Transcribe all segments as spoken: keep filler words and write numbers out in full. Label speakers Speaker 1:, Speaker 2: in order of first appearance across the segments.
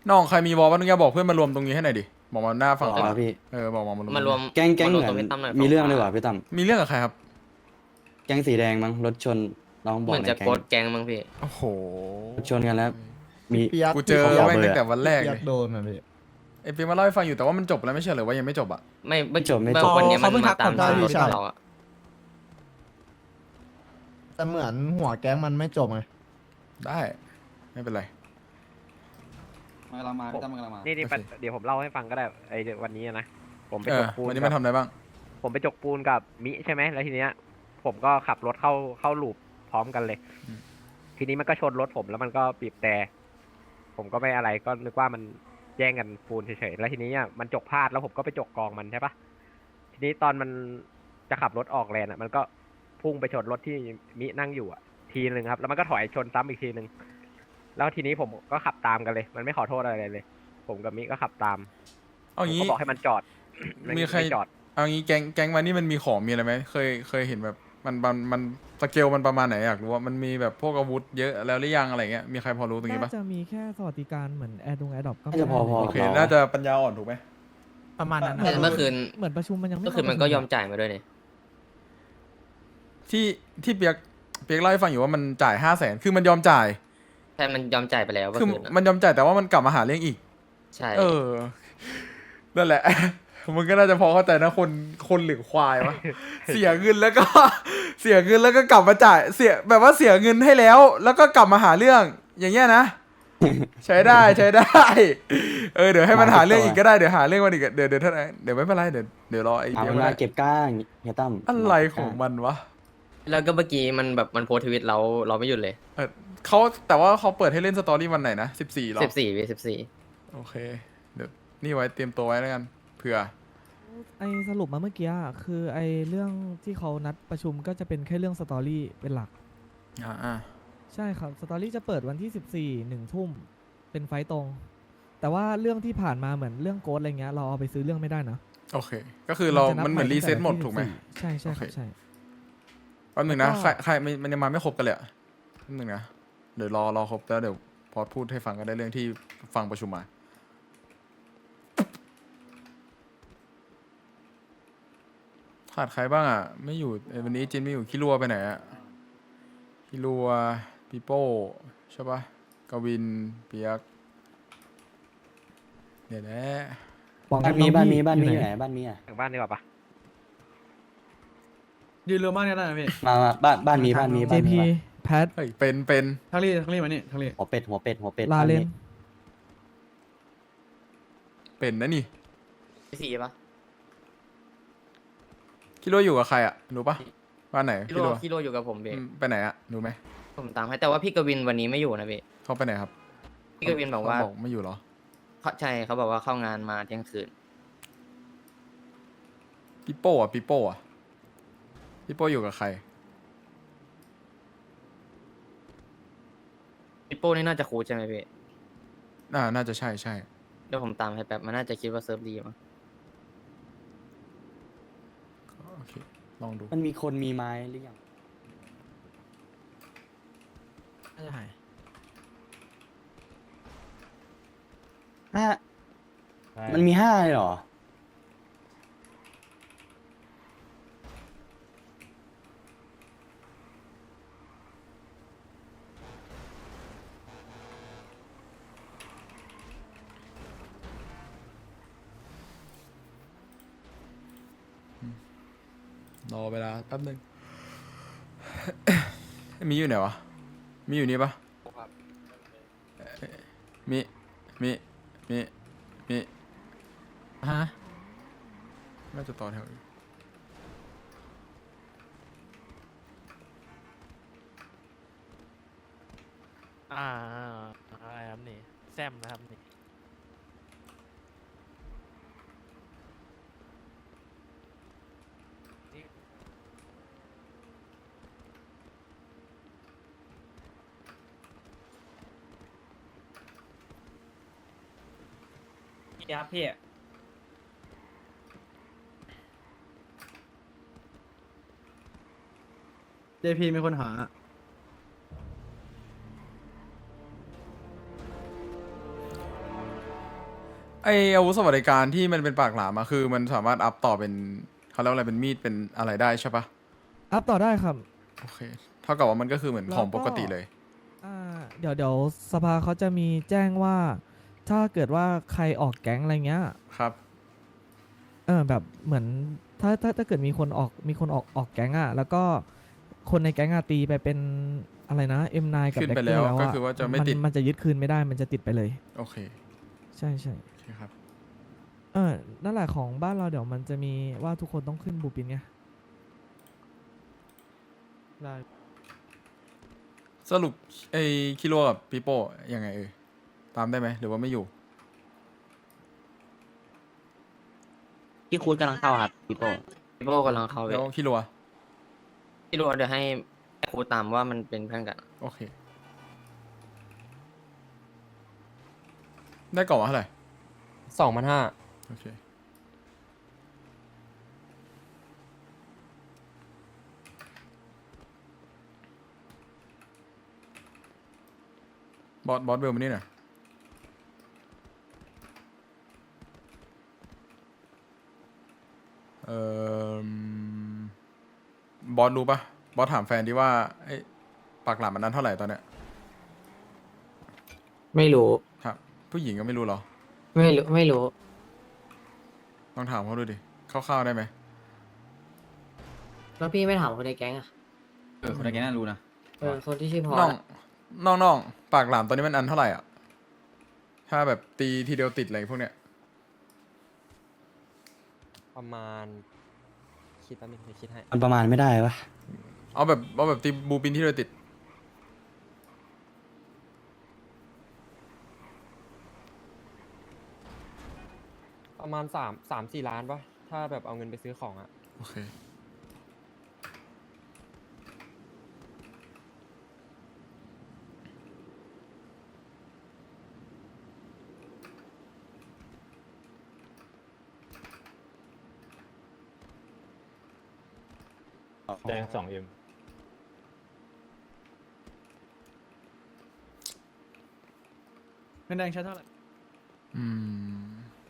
Speaker 1: น้องใครมีวอลบ้างนึกอยากบอกเพื่อนมารวมตรงนี้ให้หน่อยดิบอกมาหน้าฝั่ง
Speaker 2: อ๋
Speaker 1: ขวา
Speaker 2: อพี่
Speaker 1: เออบอกมามารวม
Speaker 3: มารวม
Speaker 2: แก๊งแก๊ง
Speaker 3: าร
Speaker 2: เห
Speaker 3: ว
Speaker 2: มือน
Speaker 3: ตรงพี่ตั้มหน่อย
Speaker 2: มีเรื่อง
Speaker 3: ฝั่
Speaker 2: ดี
Speaker 3: ข
Speaker 2: กว่าพี่ตั้ม
Speaker 1: มีเรื่องกับใครครับ
Speaker 2: แก๊งสีแดงมั้งรถชนน้องบ
Speaker 3: เห
Speaker 2: อก
Speaker 3: มือน
Speaker 2: ใน
Speaker 3: จะ
Speaker 2: แก๊
Speaker 3: โก
Speaker 2: ง
Speaker 3: ดแกงมั้งพี่
Speaker 1: โอ้โห
Speaker 2: รถชนกันแล้ว มี
Speaker 4: พี่ยักษ์
Speaker 1: กูเจอ
Speaker 2: พี่เขาบอก
Speaker 1: แม่ง
Speaker 2: เบอร์
Speaker 1: ตั้งแต่วันแรก
Speaker 4: พี่
Speaker 1: เล
Speaker 4: ยั
Speaker 1: ย
Speaker 4: กษ์โดนนะพี่
Speaker 1: ไอ้ปีมาเล่าให้ฟังอยู่แต่ว่ามันจบแล้วไม่ใช่เหรือว่ายังไม่จบอ่ะ
Speaker 3: ไม่ไม่
Speaker 2: จบไม่
Speaker 3: เมื่อ
Speaker 2: จบ
Speaker 3: วันเนี้ยมัน
Speaker 4: เขาเพิ่งทั
Speaker 3: มาก ตาม
Speaker 4: ผมได้
Speaker 3: ทางรถ
Speaker 4: พี่ชาย
Speaker 3: เราอะ
Speaker 4: แต่เหมือนหัวแก๊งมันไม่จบไง
Speaker 1: ได้ไม่เป็นไร
Speaker 5: มันกำลังมาพี่ตั้มมันกำลังมา
Speaker 6: นี่นี่
Speaker 1: โอเค
Speaker 6: เดี๋ยวผมเล่าให้ฟังก็ได้ไอ้วันนี้นะผมไป
Speaker 1: เอ
Speaker 6: จ
Speaker 1: อก
Speaker 6: ปูน
Speaker 1: วันนี้
Speaker 6: กั
Speaker 1: มัน
Speaker 6: บ
Speaker 1: ทำอะไรบ้าง
Speaker 6: ผมไปจกปูนกับมิใช่ไหมแล้วทีเนี้ย ผมก็ขับรถเข้าเข้าลูปพร้อมกันเลย
Speaker 1: อืม
Speaker 6: ทีนี้มันก็ชนรถผมแล้วมันก็บีบแต่ผมก็ไม่อะไรก็นึกว่ามันแย่งกันปูนเฉยๆแล้วทีนี้เนี่ยมันจกพลาดแล้วผมก็ไปจกกองมันใช่ปะทีนี้ตอนมันจะขับรถออกแลนอ่ะ มันก็พุ่งไปชนรถที่มินั่งอยู่อ่ะ ทีนึงครับ แล้วมันก็ถอยชนซ้ำอีกทีนึงแล้วทีนี้ผมก็ขับตามกันเลย มันไม่ขอโทษอะไรเลย ผมกับมิก็ขับตาม
Speaker 1: เอา
Speaker 6: ผม
Speaker 1: งี้
Speaker 6: ก็บอกให้มันจอดน
Speaker 1: มีใคร
Speaker 6: ไจอด
Speaker 1: เอางี้แก๊งแก๊งมันนี่มันมีของมีอะไรไหมเคยเคยเห็นแบบมันมันมันสเกลมันประมาณไหนอยากรู้ว่ามันมีแบบพวกอาวุธเยอะแล้วหรือยังอะไรเงี้ยมีใครพอรู้ตรงนี้ปะ
Speaker 7: น่าจะมีแค่สวัสดิการเหมือนแอร์ดงแอร์ดรอปก็
Speaker 2: น่าจะพอพอ
Speaker 1: โอเค
Speaker 2: กับเรา
Speaker 1: น่าจะปัญญาอ่อนถูกไหม
Speaker 4: ประมาณนั้น
Speaker 3: แต่เมื่อคืน
Speaker 7: เหมือนประชุมมันยังไม่
Speaker 3: เมื่อคืนมันก็ยอมจ่ายมาด้วยนี่
Speaker 1: ที่ที่เปียกเปียกเล่าให้ฟังอยู่ว่ามันจ่ายห้าแสนคือมันยอมจ่าย
Speaker 3: ใช่มันยอมจ่ายไปแล้วเมื่อ
Speaker 1: คือ
Speaker 3: คืนอะ
Speaker 1: มันยอมจ่ายแต่ว่ามันกลับมาหาเรื่องอีก
Speaker 3: ใช่
Speaker 1: เออ นั่นแหละ มึงก็น่าจะพอเข้าใจนะคนคนหรือควายวะ เสียเงินแล้วก็ เสียเงินแล้วก็กลับมาจ่ายเสียแบบว่าเสียเงินให้แล้ว แล้วก็กลับมาหาเรื่อง อย่างเงี้ยนะ ใช้ได้ใช้ได้ เออเดี๋ยวให้มันหาเรื่องอีกก็ได้เดี๋ยวหาเรื่องมันอีกเดี๋ยวเดี๋ยวถ้าเดี๋ยวไม่เป็นไรเดี๋ยวเดี๋ยวรอไอ้
Speaker 2: เอา
Speaker 1: เดี๋ยว
Speaker 2: เว
Speaker 1: มัน
Speaker 2: ลา
Speaker 1: ได้
Speaker 2: เก็บก้างเฮียตั้ม
Speaker 1: อะไรของมันวะ
Speaker 3: แล้วก็เมื่อกี้มันแบบมันโพสต์ทวิตเราเราไม่หยุดเลย
Speaker 1: เออเขาแต่ว่าเขาเปิดให้เล่นสตอรี่วันไหนนะสิบสี่หรอ
Speaker 3: สิบสี่วีสิบสี่
Speaker 1: โอเค เดี๋ยวนี่ไว้เตรียมตัวไว้แล้วกันเผื่อ
Speaker 7: ไอสรุปมาเมื่อกี้อะคือไอเรื่องที่เขานัดประชุมก็จะเป็นแค่เรื่องสตอรี่เป็นหลัก
Speaker 1: อ่าอ่า
Speaker 7: ใช่ครับ สตอรี่จะเปิดวันที่สิบสี่หนึ่งทุ่มเป็นไฟต์ตรง แต่ว่าเรื่องที่ผ่านมาเหมือนเรื่องโกดอะไรเงี้ยเราเอาไปซื้อเรื่องไม่ได้นะ
Speaker 1: โอเค ก็คือเรา
Speaker 7: จะบ
Speaker 1: มันเหมือน
Speaker 7: ใ
Speaker 1: รีเซ็ตหมด
Speaker 7: ตั้ง
Speaker 1: ถูกไหม
Speaker 7: แต่วันที่สิบสี่ใช่ใช่ค
Speaker 1: โอ
Speaker 7: รับ
Speaker 1: เค
Speaker 7: ใช่
Speaker 1: แป๊บหนึ่งนะ
Speaker 7: แล้วก็
Speaker 1: ใครใครมันมันยังมาไม่ครบกันเลยอะแป๊บหนึ่งนะเดี๋ยวรอรอครบแล้วเดี๋ยวพอพูดให้ฟังก็ได้เรื่องที่ฟังประชุมมาขาดใครบ้างอ่ะ ไม่อยู่เอ้ยวันนี้จินไม่อยู่คิรัวไปไหนอ่ะคิรัวปีโป้ใช่ปะกวินเปียกเนี่ยแหละ
Speaker 2: บ้านมีบ้านมีบ้านมีอยู่ไหนบ้านมีอ่ะ
Speaker 6: ถึงบ้านดีกว่าปะ
Speaker 5: ยืนเรือมากเนี่ยได้ไหมพี่
Speaker 2: มามาบ้านบ้านมีบ้านมี
Speaker 7: เจ
Speaker 2: บ้านมี
Speaker 7: พี
Speaker 2: วะ
Speaker 7: แพท
Speaker 1: เฮ้ยเป็นเป็น
Speaker 5: ทั้งรีทั้งรีมานี่ทั้งรี
Speaker 2: หัวเป็ดหัวเป็ดหัวเป็ด
Speaker 7: ลาเลน
Speaker 2: บ้มี
Speaker 1: เป็นนะนี่
Speaker 3: สี่ปะ
Speaker 1: คิรัวอยู่กับใครอ่ะรู้ปะบ้านไหน
Speaker 3: พี่
Speaker 1: คิ
Speaker 3: โร
Speaker 1: รัว
Speaker 3: พี่โรอยู่กับผมเบ
Speaker 1: อืมไปไหนอ่ะรู้ไหม
Speaker 3: ผมตามให้แต่ว่าพี่กวินวันนี้ไม่อยู่นะพี่
Speaker 1: เขาไปไหนครับ
Speaker 3: พี่กวินบอกว่า
Speaker 1: เขบอกไม่อยู่เหรอ
Speaker 3: เขาใช่เขาบอกว่าเข้างานมาเที่ยงคืน
Speaker 1: ปิโป้อะปิโป้อะปิโป้อยู่กับใคร
Speaker 3: พี่โป้นี่น่าจะคูลใช่ไหมพี่
Speaker 1: น่าน่าจะใช่ใช่
Speaker 3: เดี๋ยวผมตามให้แป๊บมันน่าจะคิดว่าเซิร์ฟดีมั้ง
Speaker 1: โอเคลองดู
Speaker 2: มันมีคนมีไม้หรือยัง
Speaker 4: น่าจะหาย
Speaker 2: ห้ามันมีห้าเลยเหรอ
Speaker 1: รอเวลาแป๊บนึง มีอยู่ไหนวะ มีอยู่นี่ปะเอ่อมีมีมีมี
Speaker 4: ฮะ
Speaker 1: น่าจะต่อแถวอยู่
Speaker 8: อ่าอะไรครับนี่แซมนะครับนี่พี่ครับพี่
Speaker 5: เจพีมีคนหา
Speaker 1: คไออาวุธสวัสดิการที่มันเป็นปากหลามอะคือมันสามารถอัพต่อเป็นเขาเรียกว่าอะไรเป็นมีดเป็นอะไรได้ใช่ปะ
Speaker 7: อัพต่อได้ครับ
Speaker 1: โอเคเท่ากับว่ามันก็คือเหมือนของปกติเลย
Speaker 7: อ่าเดี๋ยวเดี๋ยวสภาเขาจะมีแจ้งว่า ถ้าเกิดว่าใครออกแก๊งอะไรเงี้ย
Speaker 1: ครับ
Speaker 7: เออแบบเหมือนถ้าถ้าถ้าเกิดมีคนออกมีคนออกออกแก๊งอ่ะแล้วก็คนในแก๊งอะตีไปเป็นอะไรนะ เอ็ม ไนน์ กับ
Speaker 1: ขึ้น
Speaker 7: แบ็
Speaker 1: ไป
Speaker 7: คเก
Speaker 1: แล้
Speaker 7: อ
Speaker 1: ว
Speaker 7: ร์แล้ว
Speaker 1: ก็
Speaker 7: อะ
Speaker 1: คือว่าจะไม่
Speaker 7: มัน
Speaker 1: ติด
Speaker 7: มันจะยึดคืนไม่ได้มันจะติดไปเลย
Speaker 1: โอเค
Speaker 7: ใช่ใช่
Speaker 1: โอเคครับ
Speaker 7: เออนั่นแหละของบ้านเราเดี๋ยวมันจะมีว่าทุกคนต้องขึ้นบูปินไง
Speaker 8: ได้
Speaker 1: สรุปไอคิโลกับปีโป้ยังไงเอ่ยตามได้ไหมหรือว่าไม่อยู่
Speaker 2: พี่คูดกำลังเข้าครับพี่โป้
Speaker 3: พี่โป้กำลังเข้าไป
Speaker 1: แล้วคิโลอะ
Speaker 3: พี่รู้ว่าเดี๋ยวให้ครูตามว่ามันเป็นเพื่อนกัน
Speaker 1: โอเค ได้กล่องมาเท่าไหร่
Speaker 9: สองพันห้า
Speaker 1: โอเคบอสบอสเบลมานี่หน่อยเอ่อบอสรู้ปะบอสถามแฟนดิว่าไอ้ปากหลามมันนั้นเท่าไหร่ตอนเนี้ย
Speaker 3: ไม่รู้
Speaker 1: ครับผู้หญิงก็ไม่รู้เหรอ
Speaker 3: ไม่รู้ไม่รู้
Speaker 1: ลองถามเขาดูดิคร่าวๆได้ไหม
Speaker 3: แล้วพี่ไม่ถามคนในแก๊งอ่ะ
Speaker 5: เออคนในแก๊งน่ารู้นะ
Speaker 3: เออคนที่ชื่อพอ
Speaker 1: น้องน้องน้องปากหลามตอนนี้มันอันเท่าไหร่อ่ะ ถ้าแบบตีทีเดียวติดอะไรพวกเนี้ย
Speaker 9: ประมาณ คิดแป๊บนึงเดี๋ยวคิดให้
Speaker 2: มันประมาณไม่ได้ปะ
Speaker 1: เอาแบบเอาแบบตีบูปินที่เดียวติด
Speaker 9: ประมาณสามสามสี่ล้านปะถ้าแบบเอาเงินไปซื้อของอะ
Speaker 1: โอเค
Speaker 8: แดงสองเอ็ม
Speaker 5: เงินแดงใช้เท่าไหร่
Speaker 1: อืม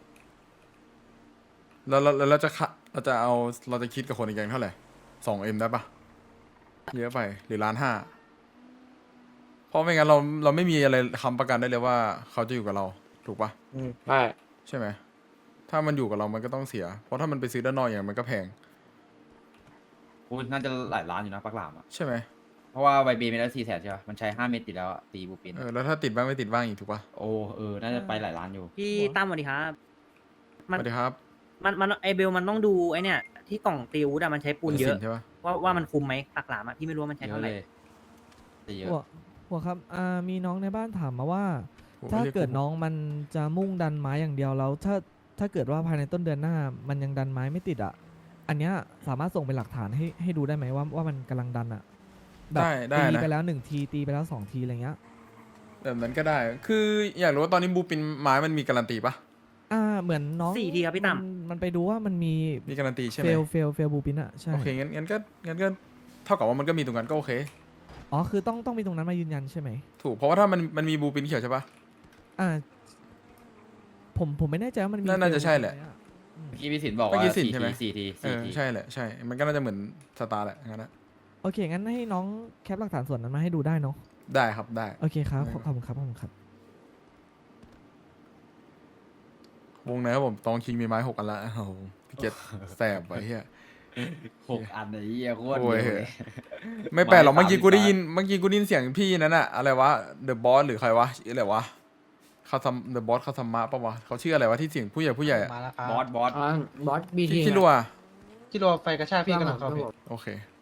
Speaker 1: แล้วแล้วแล้วเราจะคะเราจะเอาเราจะคิดกับคนในแก๊งเท่าไหร่สองเอ็มได้ปะเยอะไปหรือล้านห้าเพราะไม่งั้นเราเราไม่มีอะไรค้ำประกันได้เลยว่าเขาจะอยู่กับเรา ถูกปะ
Speaker 3: อืมใช่
Speaker 1: ใช่ไหม ถ้ามันอยู่กับเรามันก็ต้องเสีย เพราะถ้ามันไปซื้อด้านนอกอย่างนั้นมันก็แพง
Speaker 5: คูณน่าจะหลายล้านอยู่นะปักหลามอ่ะ
Speaker 1: ใช่ไหม
Speaker 5: เพราะว่าใบบีไม่ได้สี่แสนใช่ป่ะมันใช้ห้าเม็ดติดแล้วอะตีบูปิน
Speaker 1: เออแล้วถ้าติดบ้างไม่ติดบ้างอีกถูกปะ
Speaker 5: โอ้เออน่าจะไปหลายล้านอยู่
Speaker 10: พี่ตั้มสวัสดีครับ
Speaker 1: ส
Speaker 10: มัน
Speaker 1: วัสดีครับ
Speaker 10: มันมันไอเบลมันต้องดูไอเนี่ย ที่กล่องตีอาวุธอะมันใช้ปูนเยอะ
Speaker 1: สิใช่ปะ
Speaker 10: ว่าว่ามันคุมไหมปากหลามอะพี่ไม่รู้ว่ามันใช้
Speaker 5: เย
Speaker 10: เท่า
Speaker 5: อะ
Speaker 10: ไห
Speaker 5: เล
Speaker 10: ร่
Speaker 5: ยตีเยอะ
Speaker 7: หัวหัวครับอ่ามีน้องในบ้านถามมาว่า
Speaker 1: โอ้
Speaker 7: ถ้า
Speaker 1: รีย
Speaker 7: เกิด
Speaker 1: ผม
Speaker 7: น้องมันจะมุ่งดันไม้อย่างเดียวแล้ว ถ้าถ้าเกิดว่าภายในต้นเดือนหน้า มันยังดันไม้ไม่ติดอ่ะ อันเนี้ยสามารถส่งเป็นหลักฐานให้ให้ดูได้ไหมว่าว่ามันกำลังดันอ่ะแบบ
Speaker 1: ได้ได้
Speaker 7: ตี
Speaker 1: นะ
Speaker 7: ไปแล้วหนึ่งทีตีไปแล้วสองทีอะไรเงี้ย
Speaker 1: แบบนั้นก็ได้ คืออยากรู้ว่าตอนนี้บูปินไม้มันมีการันตีปะ
Speaker 7: อ่าเหมือนน้อง
Speaker 10: สี่ทีครับพี่ตั้ม
Speaker 7: นมันไปดูว่ามันมี
Speaker 1: มีการันตีใช่ไห
Speaker 7: เฟ
Speaker 1: ม
Speaker 7: ลเฟลเฟลบูปินอ่ะใช่
Speaker 1: โอเคงั้นงั้นก็งั้นก็เท่ากับว่ามันก็มีตรงนั้นก็โอเค
Speaker 7: อ๋อคือต้องต้องมีตรงนั้นมายืนยันใช่ไหม
Speaker 1: ถูกเพราะว่าถ้ามันมันมีบูปินเขียวใช่ปะ
Speaker 7: อ่าผมผมไม่แน่ใจว่ามันมี
Speaker 1: น่าน่าจะ
Speaker 7: fail
Speaker 1: ใช่แหละ
Speaker 7: ไมอะอืม
Speaker 5: เมื่อกี้พี่สินบอก
Speaker 1: เมื่อ
Speaker 5: ว่า
Speaker 1: กี้สิน
Speaker 5: สี่
Speaker 1: ใช่ไหม
Speaker 5: ทีสี่ที
Speaker 1: เอ
Speaker 5: สี่
Speaker 1: อ
Speaker 5: ที
Speaker 1: ใช่แหละใช่ มันก็น่าจะเหมือนสตาร์แหละงั้นนะ
Speaker 7: โอเค งั้นให้น้องแคปหลักฐานส่วนนั้นมาให้ดูได้เนาะ
Speaker 1: ได้ครับได้
Speaker 7: โอเคครับ
Speaker 1: ได้
Speaker 7: ขอบขอบคุณครับขอบคุณครับ
Speaker 1: วงไหนครับผมตองคิงมีไม้หกอันละโอ้โหพี่เกตแสบไปเฮีย
Speaker 5: หกอันไอ้เหี้ยโคตร
Speaker 1: โอ้ย
Speaker 5: เยอะเลย
Speaker 1: ไม่แปลกหรอก
Speaker 5: ไม้
Speaker 1: เมื่อกี้กูได้
Speaker 5: สามสิบบาท
Speaker 1: ยินเมื่อกี้กูได้ยินเสียงพี่นั้นอะอะไรวะเดอะบอสหรือใครวะชื่ออะไรวะคาซัมเดอะบอสคาซัมมะปะวะเขาชื่ออะไรวะที่เสียงผู้ใหญ่ผู้ใหญ่อะ
Speaker 4: มาแล้วครับ
Speaker 5: บอสบอส
Speaker 3: บอสบีที
Speaker 1: ที่ที่รัว
Speaker 4: ที่รัวไฟกระชากพี่กำลังเข้าพี่
Speaker 1: โอเค